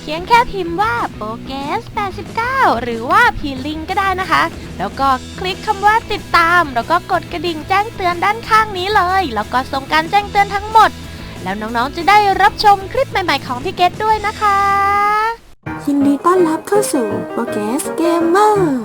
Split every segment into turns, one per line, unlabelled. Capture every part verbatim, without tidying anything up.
พียงแค่พิมพ์ว่าโปเกสแปดสิบเก้าหรือว่าพีลิงก็ได้นะคะแล้วก็คลิกคำว่าติดตามแล้วก็กดกระดิ่งแจ้งเตือนด้านข้างนี้เลยแล้วก็ส่งการแจ้งเตือนทั้งหมดแล้วน้องๆจะได้รับชมคลิปใหม่ๆของพี่เกดด้วยนะคะ
ยินดีต้อนรับเข้าสู่โปเกสเกมเมอร์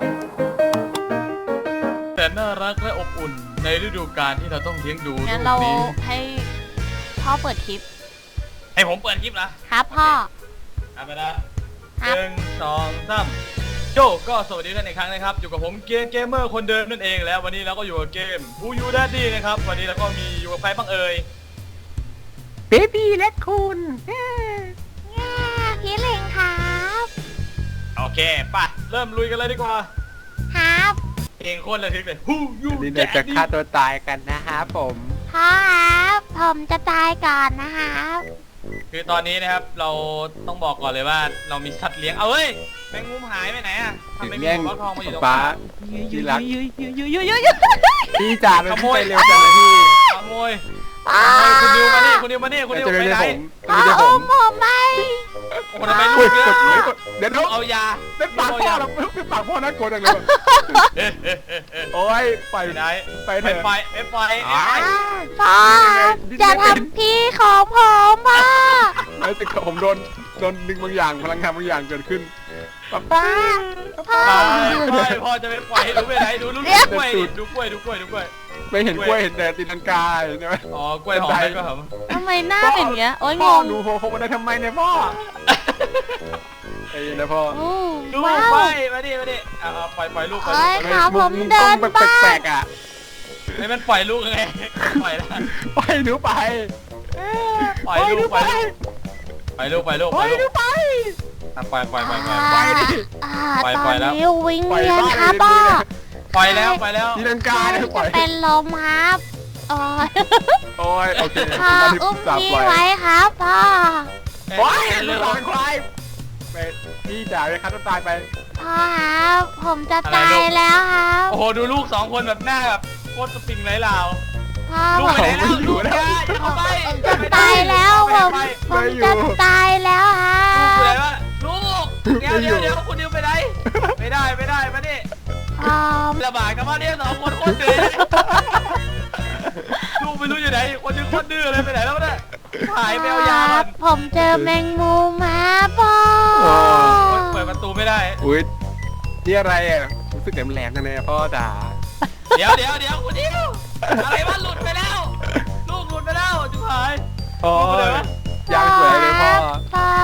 แต่น่ารักและอบอุ่นในฤดูกาลที่เราต้องเลี้ยงดูลูกนี้งั้น
เราให้พ่อเปิดคลิป
ให้ผมเปิดคลิปนะครับ
พ่อ
เอาไปนะหนึ่งสองสามโจก็สวัสดีท่านอีกครั้งนะครับอยู่กับผมเกมเกมเมอร์คนเดิมนั่นเองแล้ววันนี้เราก็อยู่กับเกม Who You Daddy นะครับวันนี้เราก็มีอยู่กับใครบ้างเอ่ย
เบบี้และคุณ
พี่ลิงครับ
โอเคป่ะเริ่มลุยกันเลยดีกว่า
ครับ
เพลงโคตรระทึกเลย Who You
นี่เราจะฆ่าตัวตายกันนะฮะผม
พ่อครับผมจะตายก่อนนะครับ
คือตอนนี้นะครับเราต้องบอกก่อนเลยว่าเรามีสัตว์เลี้ยงเอาเฮ้ยแมงมุมหายไปไหนอะทำไมมีหัวทองมาอยู่ตรง
ป้าที่รักพี่จ่าขโมยเร็วจังเลยพี่
ขโมยคุณดิวมานี่คุณดิวมานี่คุณดิวไปไหน
เอาผมไป
โอ้ทำไมลูกเยอะ
เดี๋ยว
เอายา
ไม่ปากพ่อเราไม่ปากพ่อน่ากลัวจังเลยโอ้ยไป
ไหน
ไป
ไปไปไป
พ่อจะทำพี่ของผมอ่ะ
ไม่แต่ผมโดนโดนดึงบางอย่างพลังงานบางอย่างเกิดขึ้น
ป้าพ่อ
พ่อจะไปปล่อยให้ดูไปไหนดูลูกกล้วยดูกล้วยดูกล้วยดูกล้วย
ไม่เห็นกล้วยเห็นแต่ตีลังกาใช่ไหม
อ๋อกล้วยหอมก็หอม
ทำไมหน้าเป็นอย่างเงี้ยโอ้ยงง
หนูโผล่มาได้ทำไมเนี่ยพ่อไอ้นะพ่อ
ลูกไปมาดิมาดิเอาปล่อยปล่อยลูกไป
ขาผมเดินบ้า
แปลกๆอ่ะ
ไอ้มันปล่อยลูกไงปล่อยแล้ว
ปล่อยหนูไป
ปล่อยลูกไปปล่อยลูกไปลูก
ปล่อยหนูไป
ปล่อยปล่อยปล่อยปล่อย
ปล่อยดิ
ปล่อยปล่อยแล้ว
วิ่งเวียนครับพ่อ
ปล่อยแล้วปล่อยแล้ว
ตีลังกาเนี่ยปล่อย
เป็นลมครับโอ้ย
โอ้ยโอเค
พ่ออุ้มพี่ไว้ครับพ่อ
โอ้ยเรื่องอะไรควายไปพี่จ๋าเลยครับต้องตายไป
พ่อครับผมจะตายแล้วครับ
โอ้โหดูลูกสองคนแบบหน้าแบบโคตรสปริงไร้ลาว
พ่อ
ลูกไปไหนแล้วลูกอย่าอย่าเข้าไป
จะตายแล้วผมผมจะตายแล้วครับ
ลูกไปไหนวะลูกเดี๋ยวเดี๋ยวเดี๋ยวคุณดิวไปไหนไม่ได้ไม่ได้มาดิระบาดกันมาเนี่ยสองคนโคตรดื้อลูกไม่รู้อยู่ไหนคนนึงโคตรดื้อเลยไปไหนแล้วเนี่ยหายไปเอายา
ผมเจอแมงมุมมาพ่อ
เปิดประตูไม่ได้
อุ้ยนี่อะไรอ่ะรู้สึกแหลมๆจังเลยพ่อจ๋า
เดี๋ยวเดี๋ยวเดี๋ยวคุณดิวอะไรวะหลุดไปแล้วลูกหลุดไปแล้วจุ๊บหาย
โอ้ยยางสวยเลยพ่อ
พ่อ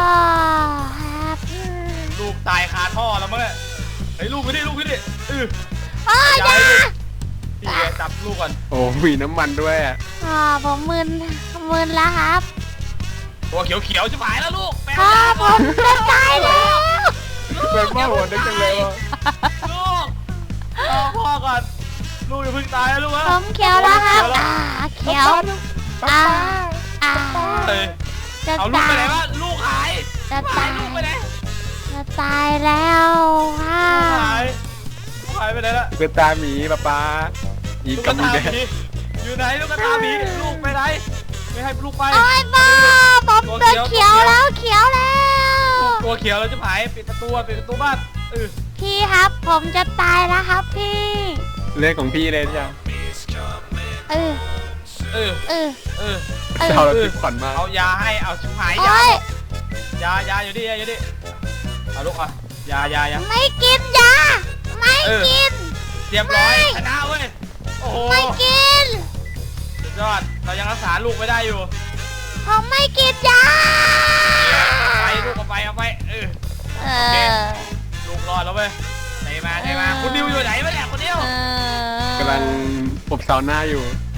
ลูกตายคาท่อแล้วมั้งเนี่ยไอ้ลูกไปดิลูกไปดิเออ
พ่อยา
พี่จับลูกก่อน
โอ้มีน้ำมันด้วยอ่ะ
พ่อผมมึนมึนแล้วครับ
ตัวเขียวเขียวจะหายแล้วลูก
พ่อผมจะตายแล้ว
เป็นพ่อหัวนึกจังเลย
ลูกรอพ่อก่อนลูกอย่าเพิ่งตายนะลูก
ผมเขียวแล้วครับอ่าเขียวอ่าอ่า
เอาลูกไปไหนวะลูกหาย
จะตาย
ลูกไปไหน
จะตายแล้วค่ะ
หายหายไปไหนละ
เป็นตาหมีป้าป้า
อีกกับหมีอยู่ไหนลูกกระตาหมีลูกไปไหนไม่ให้ลูกไป
โอ้ยบ้าผมตัวเขียวแล้วเขียวแล้ว
ตัวเขียวแล้วจะหายปิดประตูปิดประตูบ้านเออ
พี่ครับผมจะตายแล้วครับพี่
เรื่องของพี่เลยจ้ะ
เออ
เออ
เออ
เออ
เราเราติดฝันมา
เอายาให้เอาชิบหายยายายาอยู่ดิอยู่ดิเอาลูกอ่ะยายายา
ไม่กินยาไม่กิน
เรียบร้อยชนะเว้ยโอ้โห
ไม่กิน
สุดยอดเรายังรักษาลูกไม่ได้อยู่
ผมไม่กินยา
ไปลูกเอาไปเอาไปเออโอเคลูกรอดแล้วเว้ยไหนมาไหนมาคุณดิวอยู่ไหนวะเนี่ยคุณดิว
กำลังอบเสาหน้าอยู่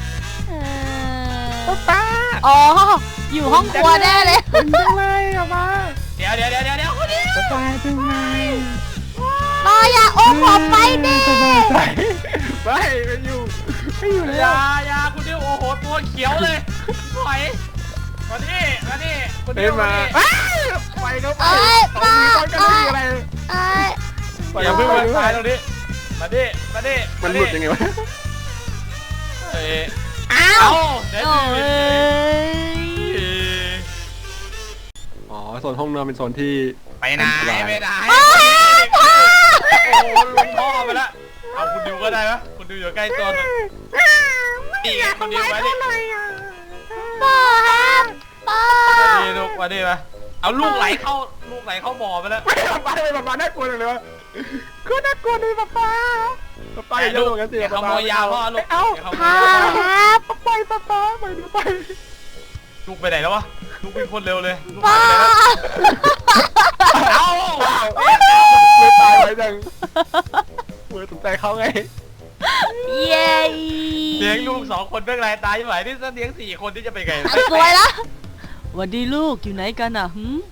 ป้าอ๋ออยู่ห้องครัวแน่เลย
เป็นยังไงอะมา
เดี๋ยวเดี๋ยวเดี๋ยวเดี๋ยวคุณดิว
สบายจังไง
รออย่าโอ้ผมไปดิ
ไม่ไม่อยู่ไม่อยู่เลย
ยายาคุณดิวโอ้โหตัวเขียวเลยถอยมาดิมาดิคุณดิวมา
ไปเขาไป
ป้า
ป้าอะไร
อย่าเพิ่งมาตายตรงนี้มาดิมาดิ
มันหลุดยังไงวะ
เออ
อ้าว
เดี๋ยว
อ๋อโซนห้องนอนเป็นโซนที่
ไปไหน
อันตราย
ไปไหนโอ้โหลงท่อไปแล้วเอาคุณดิวก็ได้ไหมคุณดิวอยู่ใกล้ตัวหน่อยนี่ไงคุณดิวมาดิ
พ่อครับพ่อ
มาดิลูกมาดิมาเอาลูกไหลเข้าลูกไหลเข้าบ่อไปแล้ว
ไม่ป๊าป๊าเลยป๊าป๊าน่ากลัวจังเลยวะก็น่ากลัวเลยป๊าป๊าป๊าป๊าอย่าเยอะเหมือนกันสิ
อย่าขโมยยาพ่อลูก
เอ้า
อย่าขโม
พ่อย
ยา
ครับ
ไปป๊าป๊าไปดูไป
ลูกไปไหนแล้ววะลูกวิ่งโคตรเร็วเลยลูก
พ่อ
หายไปไหนแล้วเอา
ไม่ตายไว้จังเมื่อสนใจเขาไง
เย้
เลี้ยงลูกสองคนเรื่องไรตายไหวนี่จะเลี้ยงสี่คนที่จะไปไง
อ่ะสวยละวันดีลูกอยู่ไหนกันอ่ะหืม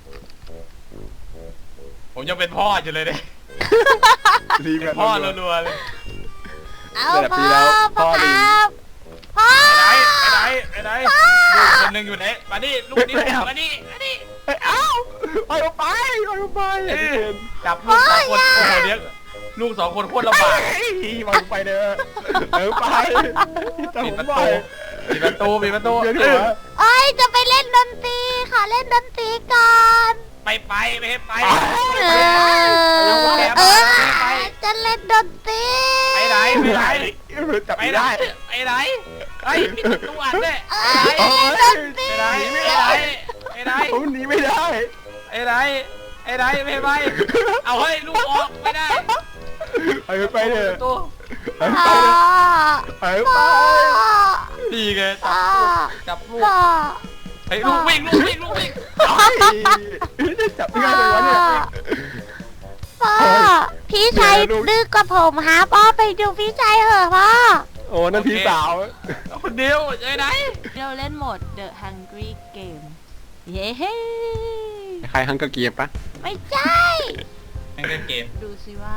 ผมยังเป็นพ่ออยู่เลยเนี่ย
รีบ
พ่อรัวๆเลย
เอาพ่อพ่อครับพ่อ
ไปไหนไปไหนไปไหนลูกคนหนึ่งอยู่ไหนมาดิลูกนี่มาดิมาดิ
เอ้าไปไปไปไปอย่าเห็น
จับลูกสองคนโอ้โหเลี้ยงลูกสองคนโคตรลำบาก
ไปไปเด้อเออไปจะ
ปิด
ผม
ประ
ไป
ตูปิดประตูปิดประตู
เดี๋ยว
เอ
เดี๋ยว
อ
เอ้ยจะไปเล่นดนตรีค่ะเล่นดนตรีก่อน
ไปไปไม่ให้ไป
เออเออจะเล่นดนตรี
ไปไหนไปไหน
จับ
ไป
ไม่
ไหน
ได้
ไปไหนไอ้ปิดประตูอัดเลย
เอ
ไป
อ
ไหน
เล่นดนตรี
ไปไหนไปไหนไปไหน
ผมหนีไม่ได้
ไปไหนไปไหนไม่ไปเอาเฮ้ยลูกออกไม่ได้
ไปไปเถอะ
ประตู
ไป
พ่อ
ไปไป
พ่อ
ดีไง
พ่อ
จับลูก
พ่อ
ไอ้ลูกวิ่งลูกวิ่งลูกวิ่ง
จะจับง่ายเลยวะเนี่ย
พ่อพี่ชายดื้อกว่าผมฮะพ่อไปดูพี่ชายเหอะพ่อ
โอ้นั่นพี่สาว
คนเดียวไปไหน
เราเล่นโหมด The Hungry Game เย้
ใครฮังกะเกียบปะ
ไม่ใช่
แม่งเล่นเกม
ดูสิว่า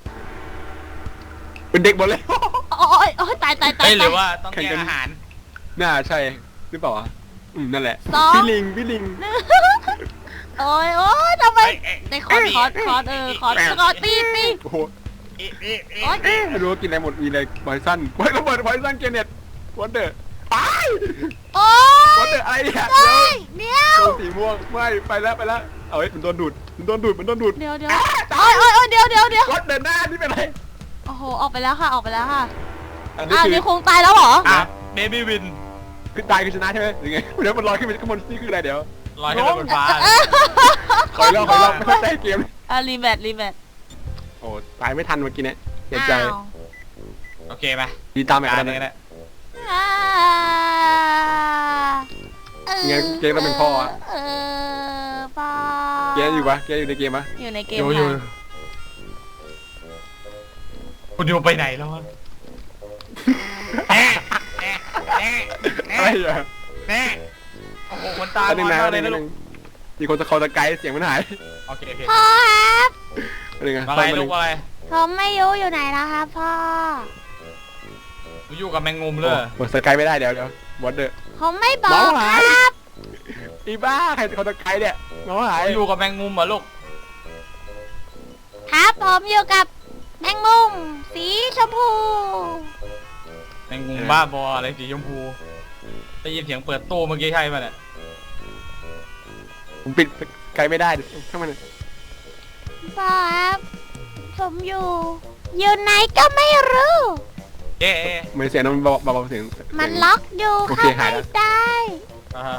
เป็นเด็กหมดเลย
โอ้ยโอ้ยตายตายตาย
เฮ้ยหรือ
ตาย
ว่าต้องแย่งอาหาร
น่าใช่หรือเปล่าวะอืมนั่นแหละ
สอง
พี่ลิงพี่ลิง
โอ้ยโอ้ยทำไม
เอ้ยเอ้ย
ในคอร์ดคอร์ดคอร์ดเออคอร์ดคอร์ดตีตี
โอ้โห
อีอีอี
โอ้ย
ไม่รู้ว่ากินอะไรหมดมีอะไรไวซันไวระเบิดไวซันเกเน็ตวันเดอร์ไป
โอ้
วัน
ย
เดอร์อะไรเนี่ย
เฮ้ยเดี๋ยว
โดนสีม่วงไม่ไปแล้วไปแล้วเอาไว้มันโดนดูดมันโดนดูดมันโดนดูด
เดี๋ยวเดี๋ยวโอ้ยโอ้ยโอ้ยเดี๋ยวเดี๋ยวเดี๋ยว
วันเดอร์หน้านี่เป็นไร
โอ้โหออกไปแล้วค่ะออกไปแล้วค่ะ
อันนี้
อ้าว
คือ
นี่คงตายแล้วเหรอ
อ่ะเบบี้วิน
คือตายคือชนะใช่ไหมหรือไงเดี๋ยวมันลอยขึ้นไปข้างบนนี่คืออะไรเดี๋ยว
ลอยขึ้นไปบนฟ้า
คอยรอบคอยรอบไม่เข้าใจเกม
อ่ะรีแมทรีแมท
โอ้ตายไม่ทันเมื่อกี้เนี่ยเสียใจ
อ้าว
โอเคไหม
ดีตามไป
กา
กั
ร
น
นี้
นะ
แหละ
อ่าเออ
งั้นเกมต้องเป็นพ่ออะ
เออพ่อ
เกมอยู่ปะเกมอยู่ในเกมปะ
อยู่ในเกม
อยู่อยู่
ค่ะ
คุณอยู่ไปไหนแล้ววะแน่แน่แน่แน่
อะไรอ่ะ
แน่โอ้โหคนตา
อันหนึ่งนะ
บอ
อั
ด
น
เล
ห
ย
นึ่ง
นะ
อันห
ลูก
นึ่งมีคนจะคอตะไกด์เสียงมันหาย
โอเคโอเค
พ่อครับ
อันหนึ่งอะ
อะไร
ฟังมันห
ลู
นึ่
ก
ง
อะไร
ผมไม่รู้อยู่ไหนแล้วครับพ่อ
อยู่กับแมงมุมเลย
โอ้สกายไม่ได้เดี๋ยวเดี๋ยววอเดอร์
ผมไม่บอ
น้อก ง
ค
หาย
รับ
อีบ้าใครคอตะไกด์เนี่ยน้องหาย
อยู่กับแมงมุมเหรอลูก
ครับผมอยู่กับแมงมุมสีชมพู
แมงมุมบ้าบออะไรสีชมพูได้ยินเสียงเปิดตู้เมื่อกี้ใช่ป่ะเนี่ย
ผมปิดสกายไม่ได้ถ้ามัน
พ่อครับผมอยู่อยู่ไหนก็ไม่รู้
เอ๊ะ
เหมือนเสียงมันเบาเบาเสียง
มันล็อกอยู่
โอ
เข้า
เคหาย
ไม่
แล้ว
ได้
อ่าฮะ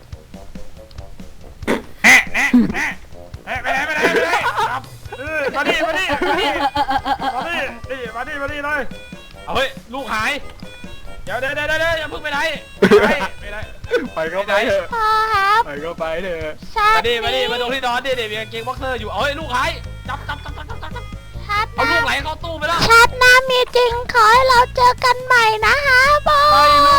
แน่แน่แน่แน่ไปไหนไปไหนไปไหนครับเออมาดิมาดิมาดิมาดินี่มาดิมาดิเลยเอาเฮ้ยลูกหายเดี๋ยวเดี๋ยวเดี๋ยวเดี๋ยวอย่าเพิ่งไปไหนไปไปไหน
ไปก็ไปเถอะ
พ่อครับ
ไปก็ไปเถอะ
ชา
มา
ติ
ดิมาดิ
นี้
มาตรงที่นอนดิเดี๋ยวมีกางเกงบ็อกเซอร์อยู่เอาเฮ้ยลูกหายจับจับจับจับจับจับจับ
ชาติห
เอาลู
น้าก
ไหลเข้าตู้ไปแล้ว
ชาติหน้ามีจริงขอให้เราเจอกันใหม่นะฮะพ่อ
ไปลู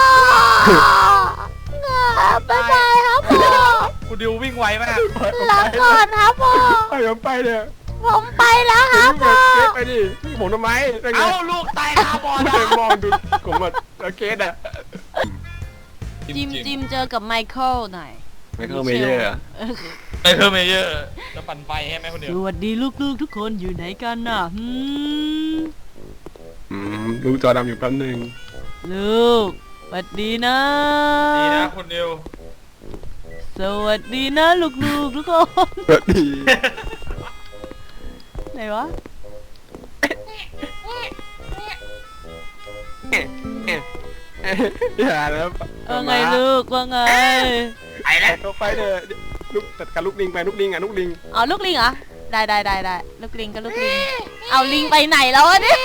ก
บ๊ายบายครับพ่อ
คุณดิววิ่งไวมาก
ลาก่อนครับพ่อ
ไปก็ไปเถอะ
ผมไปแล้วครับพ่อ
เกตไปดิผมทำไมเป็นไง
เอาลูกตายคาบอล
ไม่
นะ
มองดูผมแบบเกตอะ
จิมจิมเจอกับไมเคิลหน่อย
ไม่เข้าเมเยอร์
ไอเพิ่มเมเยอร์จะปั่นไฟให้ไหมคนเดี
ส
ยว
วัสดีลูกๆทุกคนอยู่ไหนกันน่ะหืม
อืมดูจอดำอยู่แป๊บนึง
ลูกสวัสดีนะ
ดีนะคุณดิว
สสวัสดีนะลูกๆทุกคน
สวัสดี
ไหนวะ
อย่าแล้ว
ว่าไงลูกว่าไง
ไอ้แล้ว
ตัวไฟเด้อลูกจัดการลูกลิงไปลูกลิงอ่ะลูกลิง
เอาลูกลิงเหรอได้ได้ได้ได้ลูกลิงก็ลูกลิงเอาลิงไปไหนแล้ววะเนี่ย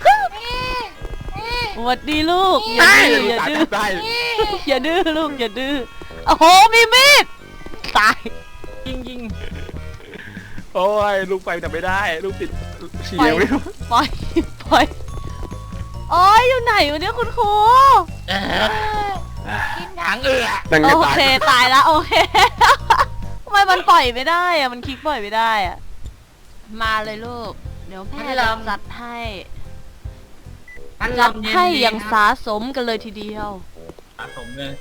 สวัสดีลูกอย่าดื้ออย่าดื้อ
ได้
อย่าดื้อลูกอย่าดื้อโอ้โหมีมีดตาย
ยิงยิง
โอ้ยลูกไฟแต่ไม่ได้ลูกติดเฉียวไม่รู้
ปล่อยปล่อยโอ้ยอยู่ไหนวะเนี่ยคุณครู
กินถังเอือ
ดังไง
โอ
ตาย
เคตายแล้วโอเคทำไมมันปล่อยไม่ได้อะมันคลิกปล่อยไม่ได้อะมาเลยลูกเดี๋ยวแม่จะจัดให้จัดให้อย่างสาสมกันเลยทีเดียว
สะสมเลย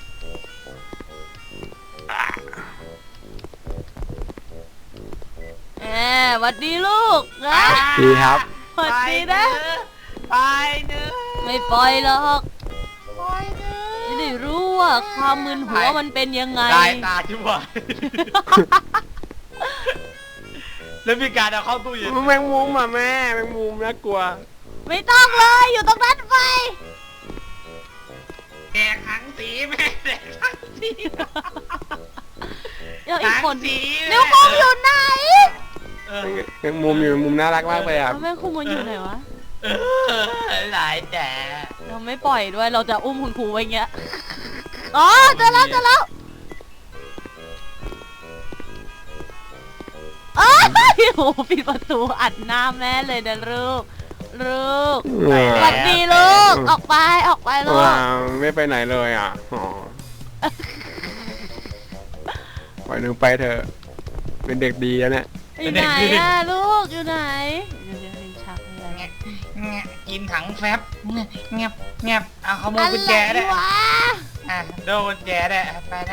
แหมหวัดดีลูกนะ
ดีครับ
หวัดดีนะ
ไปเนื้อ
ไม่ปล่อยหรอก
ไปเนื้อ
จะได้รู้ว่าความมึนหัวมันเป็นยังไง
ตายตาชิบหายแล้วมีการเอาเข้าตู้เย็น
แมงมุมอ่ะแม่แมงมุมน่ากลัว
ไม่ต้องเลยอยู่ตรงนั้นไป
แดกถังสีแม่แดกถังสี
เดี๋ยวอีกคน
ถังสี
เดี๋ยวคงอยู่ไหน
เออ
แมงมุมอยู่แมงมุมน่ารักมากเลยอ่ะ
แล้วแม่ครูมันอยู่ไหนวะ
เออหลายแต่
เราไม่ปล่อยด้วยเราจะอุ้มคุณครูไว้เงี้ยอ๋อเจอแล้วเจอแล้วอ้าวโอ้โหปิดประตูอัดหน้าแม่เลยนะลูกลูกสวัสดีลูกออกไปออกไปลูก
ว้าวไม่ไปไหนเลยอ่ะอ๋อปล่อยหนึ่งไปเถอะเป็นเด็กดีแล้วเนี่ย
อยู่ไหนอะลูกอยู่ไหนเดี๋ยวเดี๋ยวลิ้นชักอะไร
แงะแงะกินถังแฟบเงียบเงียบเงียบเอาขโมยกุญแจได้
วะ
อ่ะโดนกุญแจได้ไปละ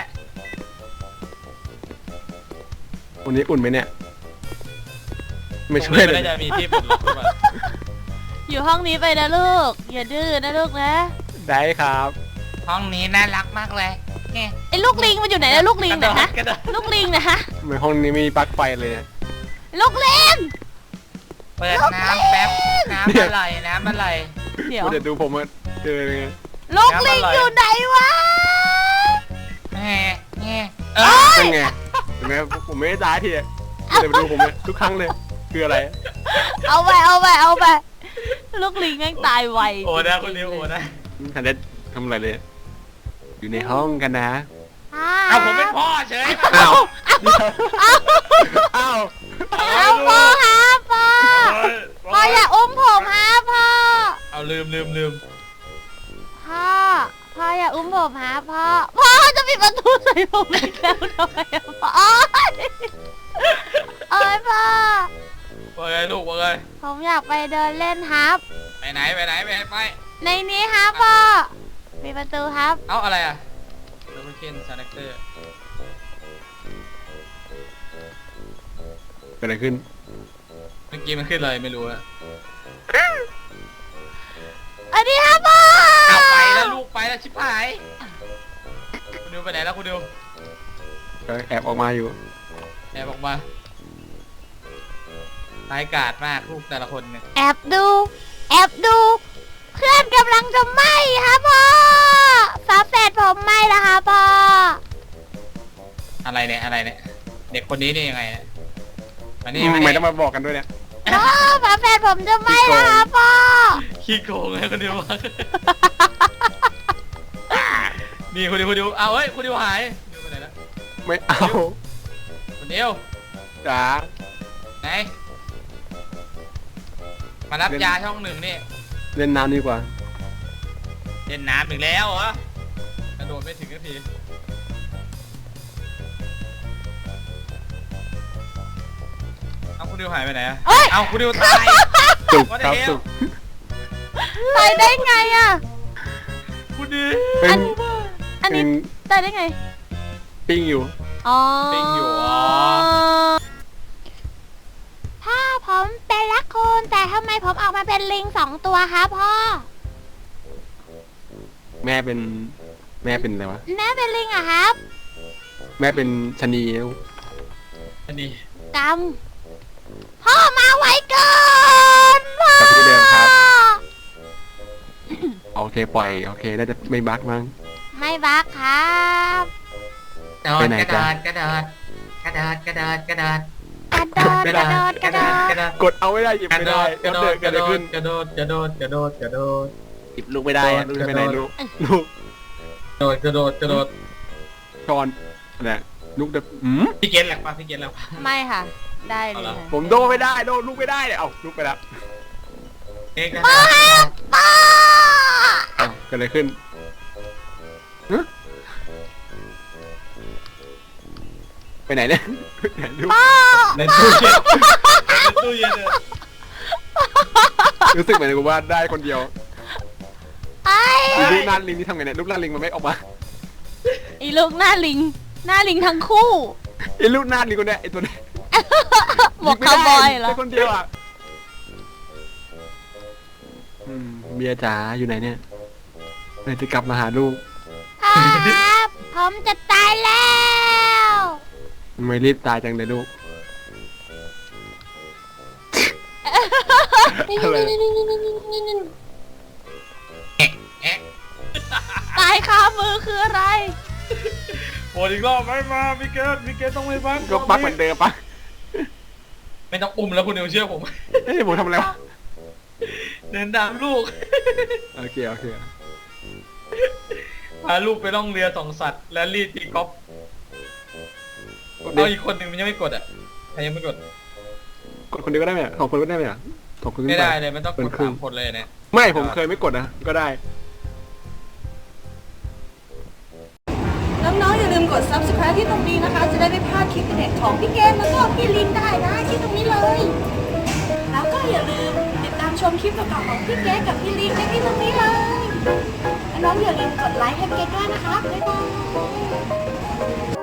วันนี้อุ่นไหมเนี่ยไม่ช่วยเลย
น่าจะมีที่ปลดล็อกหรือเปล่า
อยู่ห้องนี้ไปนะลูกอย่าดื้อนะลูกนะ
ได้ครับ
ห้องนี้น่ารักมากเลยเนี่ย
ไอ้ลูกลิงมันอยู่ไหนนะลูกลิงนะฮะ
กระโดด
ลูกลิงนะฮะ
ทำไมห้องนี้ไม่มีปลั๊กไฟเลยเนี่ย
ลูกลิง
เปิดน้ำแป๊บน้ำอะไรน้ำอะไร
เดี๋ยว
เดี๋ยวดูผมว่าเจอเลยไง
ลูกลิงอยู่ไหนวะ
แง่แง่เออ
นั่นไงเห็นไหมผมไม่ได้ตายทีอะเดี๋ยวไปดูผมเนี่ยทุกครั้งเลยคืออะไร
เอาไปเอาไปเอาไปลูกลิงแม่งตายไว
โอ้นะคนนี้โอ้นะ
ทันได้ทำอะไรเลย อยู่ในห้องกันนะ
เอาผมเป็นพ่อเฉย
อ้าวอ้าว
เอาพ่อฮะพ่อพ่ออย่าอุ้มผมฮะพ่อ
เอาลืมลืมลืม
พ่อพ่ออย่าอุ้มผมฮะพ่อพ่อจะปิดประตูใส่ผมอีกแล้วทำไมอะพ่อโอ๊ยโอ๊ยพ่อ
ว่าไงลูกว่าไง
ผมอยากไปเดินเล่นครับ
ไปไหนไปไหนไปไหนไป
ในนี้ครับพ่อปิดประตูครับ
เอาอะไรอ่ะดับเบิลเคนซาแรคเตอร์
เกิดอะไรขึ้น
เมื่อกี้มันขึ้นเลยไม่รู้อะ
อันนี้ครับพ่อ
เอาไปแล้วลูกไปแล้วชิบหายคุณดิวไปไหนแล้วคุณดิว
ก็แอบออกมาอยู่
แอบออกมาร้ายกาจมากลูกแต่ละคนเนี่ย
แอบดู แอบดู เพื่อนกำลังจะไหม้ครับพ่อฝาแฝดผมไหม้แล้วครับพ่อ
อะไรเนี่ยอะไรเนี่ยเด็กคนนี้นี่ยังไงเนี่ยอันนี้
ทำไมต้องมาบอกกันด้วยเนี่ย
พ่อฝาแฝดผมจะไหม้แล้วครับพ่อ
ขี้โกงเลยคุณดิวมากนี่คุณดิวคุณดิวเอาเฮ้ยคุณดิวหายดิวไปไหนแล้ว
ไม่เอา
คุณดิว
จ๋า
ไหนมารับยาช่องหนึ่งนี่
เล่นน้ำดีกว่า
เล่นน้ำอีกแล้วเหรอกระโดดไม่ถึงนาทีเอาคุณดิวหายไปไหนอะ
เอ้ย
เอาคุณดิวตาย
สุก
What the
ครับ
hell?
สุก
ตายได้ไงอ่ะ
คุณดิว
เป็น
อันนี้
เป็น
ตายได้ไง
ปิ้งอยู่
อ๋อ
ปิงอยู่อ๋อ
พ่อผมเป็นลักคูนแต่ทำไมผมออกมาเป็นลิงสองตัวครับพ่อ
แม่เป็นแม่เป็นอะไรวะ
แม่เป็นลิงอะครับ
แม่เป็นชะนี
อันนี้
กำพ่อมาไวเกินพ่อ
กับที่เดิมครับ โอเคปล่อยโอเคน่าจะไม่บั๊กมั้ง
ไม่บักครับ
กระโด
ไป
ด
ไหน
กระโด
จ๊ะ
ดกระโดดกระโดดกระโดดกระโดด
กระโดดกระโดดกระโดด
กระโดด
กดเอาไม่ได้หยิบ
กระ
ไม่
โด
ได้
ดกระโด
เดิ
ด
น
กระ
เกิด
โด
อะไรขึ้
ด
น
กระโดดกระโดดกระโดดกระโดด
หยิบลูกไม่ได้ลูกไม่ได้ลูกลูก
กระโดดกระโดดกระโดด
ชอนเนี่ยลูกเด็กอืม
พี่เกณฑ์แหลกปะพี่เกณฑ์แหลกปะ
ไม่ค่ะ ได้เลย
เอาล่ะ
ค่ะ
ผมโดนไม่ได้โดนลูกไม่ได้เนี่ยเอ้าลูกไปแล้ว
เอกนะ
ป้า
เอ้าเกิดอะไรขึ้นฮะไปไหนเนี่ยไหนลูก
ในตู้เย็นในตู้เย็นเลย
รู้สึกเหมือนกับว่าได้คนเดียว
ไอ้
อีลูกหน้าลิงนี่ทำไงเนี่ยลูกหน้าลิงมันไม่ออกมา
ไอ้ลูกหน้าลิง หน้าลิงทั้งคู่
ไอ้ลูกหน้าลิงคนเนี้ยไอ้ตัวเนี้ย
หมวกคาวบอยเหรอ
ได้คนเดียวอ่ะอืมเมียจ๋าอยู่ไหนเนี่ยเมื่อจะกลับมาหาลูก
ครับผมจะตายแล้ว
ทำไมรีบตายจังเลยลูกอะไร
ตายคามือคืออะไร
โหอีกรอบไม่มาพี่เกณฑ์พี่เกณฑ์ต้องไม่บัก
ก็ปักเหมือนเดิมปะ
ไม่ต้องอุ้มแล้วคุณเดียวเชื่อผม
เฮ้ยผมทำอะไรวะ
เดินตามลูก
โอเคโอเค
พาลูกไปล่องเรือสองสัตว์และรีดตีกอล์ฟ
เดี๋ยว
เอาอีกคนหนึ่งมันยังไม่กดอ่ะใครยังไม่กด
กดคนเดียวก็ได้ไหมอะสองคนก็ได้ไหมอะสองคนขึ้น
ไม่
ป
ได้เลยมันต้องก
เป็
ด
นครึ่
สาง มคนเลยเนี่ย
ไม่ผมเคยไม่กดนะก็ได้
น้องๆอย่าลืมกด ซับสไครบ์ ที่ตรงนี้นะคะ จะได้ไม่พลาดคลิปเด็ดของพี่เกมแล้วก็พี่ลินได้นะที่ตรงนี้เลย แล้วก็อย่าลืมติดตามชมคลิปเก่าๆของพี่เกมกับพี่ลินได้ที่ตรงนี้เลยและน้องอย่าลืมกดไลค์ให้พี่เกมด้วยนะคะบ๊ายบาย